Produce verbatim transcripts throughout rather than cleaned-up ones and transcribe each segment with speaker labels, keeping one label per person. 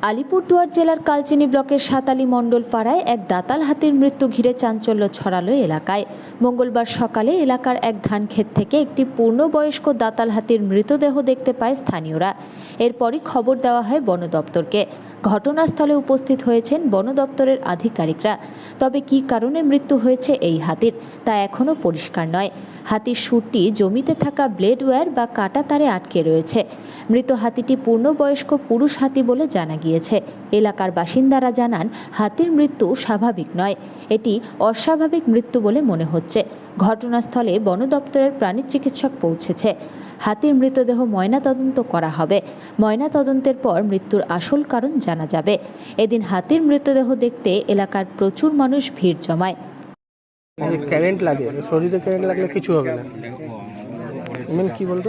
Speaker 1: আলিপুরদুয়ার জেলার কালচিনি ব্লকের সাতালি মণ্ডল পাড়ায় এক দাতাল হাতির মৃত্যু ঘিরে চাঞ্চল্য ছড়ালো এলাকায়। মঙ্গলবার সকালে এলাকার এক ধানক্ষেত থেকে একটি পূর্ণবয়স্ক দাতাল হাতির মৃতদেহ দেখতে পায় স্থানীয়রা। এরপরই খবর দেওয়া হয় বন দপ্তরকে। ঘটনাস্থলে উপস্থিত হয়েছেন বন দপ্তরের আধিকারিকরা। তবে কী কারণে মৃত্যু হয়েছে এই হাতির তা এখনও পরিষ্কার নয়। হাতির শুঁড়টি জমিতে থাকা ব্লেড ওয়্যার বা কাটা তারে আটকে রয়েছে। মৃত হাতিটি পূর্ণবয়স্ক পুরুষ হাতি বলে জানা গিয়েছে। এলাকার বাসিন্দারা জানান, হাতির মৃত্যু স্বাভাবিক নয়, এটি অস্বাভাবিক মৃত্যু বলে মনে হচ্ছে। ঘটনাস্থলে বন দপ্তরের প্রাণী চিকিৎসক পৌঁছেছে। হাতির মৃতদেহ ময়নাতদন্ত করা হবে। ময়নাতদন্তের পর মৃত্যুর আসল কারণ জানা যাবে। এদিন হাতির মৃতদেহ দেখতে এলাকার প্রচুর মানুষ ভিড় জমায়।
Speaker 2: কারেন্ট লাগে, শরীরে কারেন্ট লাগলে কিছু হবে না। মানে কি বলতো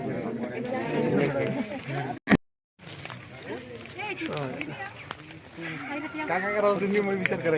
Speaker 2: বিচার করে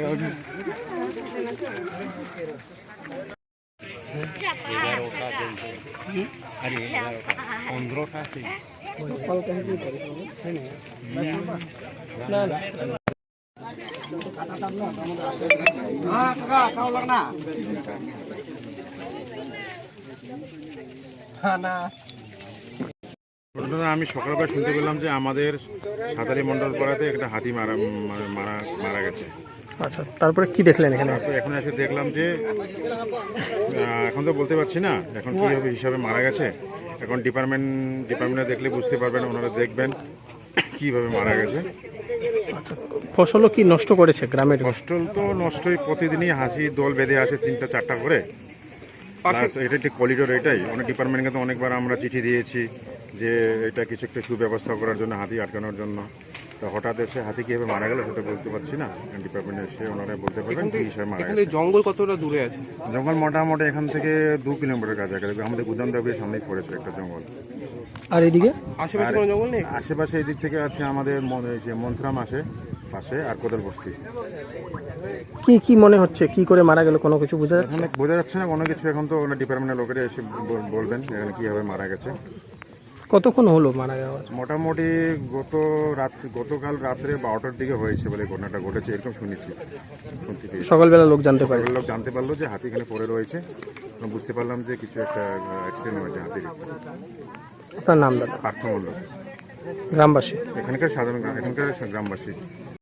Speaker 3: আমি সকালবেলা শুনতে পেলাম যে আমাদের সাতালি মণ্ডল পাড়াতে একটা হাতি মারা মারা মারা গেছে।
Speaker 2: আচ্ছা, তারপরে কি দেখলেন এখানে?
Speaker 3: এখন এসে দেখলাম যে এখন তো বলতে পারছি না এখন কীভাবে হিসাবে মারা গেছে। এখন ডিপার্টমেন্ট ডিপার্টমেন্টে দেখলে বুঝতে পারবেন, ওনারা দেখবেন কীভাবে মারা গেছে।
Speaker 2: আচ্ছা, ফসলও কি নষ্ট করেছে গ্রামের?
Speaker 3: ফসল তো নষ্টই, প্রতিদিনই হাসি দল বেঁধে আসে তিনটা চারটা করে। এটা একটি করিডোর, এটাই অনেক ডিপার্টমেন্টকে তো অনেকবার আমরা চিঠি দিয়েছি যে এটা কিছু একটা সুব্যবস্থা করার জন্য, হাতি আটকানোর জন্য। তো হঠাৎ এসে হাতি কীভাবে মারা গেল সেটা বলতে পারছি না। ডিপার্টমেন্টে এসে ওনারা বলতে পারবেন কী হিসাবে মারা গেল।
Speaker 2: জঙ্গল কতটা দূরে আছে?
Speaker 3: জঙ্গল মোটামুটি এখান থেকে দু কিলোমিটার কাছাকাছি, আমাদের গুদাম দাবির সামনেই পড়েছে একটা জঙ্গল।
Speaker 2: আর এদিকে
Speaker 3: আশেপাশে কোনো জঙ্গল নেই? আশেপাশে এদিক থেকে আছে আমাদের মন্থরাম আসে পাশে, আর কোদাল বস্তি।
Speaker 2: কি কি মনে হচ্ছে, কি করে মারা গেল কোনো কিছু বোঝা যাচ্ছে?
Speaker 3: বোঝা যাচ্ছে না কোনো কিছু। এখন তো ডিপার্টমেন্টের লোকেরা এসে বলবেন এখানে কীভাবে মারা গেছে।
Speaker 2: কতক্ষণ হলো মারা যাওয়া?
Speaker 3: মোটামুটি গত রাত্রি গতকাল রাত্রে বারোটার দিকে হয়েছে বলে ঘটনাটা ঘটেছে, এরকম শুনেছি।
Speaker 2: সকালবেলা লোক জানতে পারে,
Speaker 3: লোক জানতে পারলো যে হাতি এখানে পড়ে রয়েছে। বুঝতে পারলাম যে কিছু একটা অ্যাক্সিডেন্ট হয়েছে হাতির।
Speaker 2: আপনার নাম দাদা?
Speaker 3: পার্থ মণ্ডল,
Speaker 2: গ্রামবাসী?
Speaker 3: এখানকার সাধারণ এখানকার গ্রামবাসী।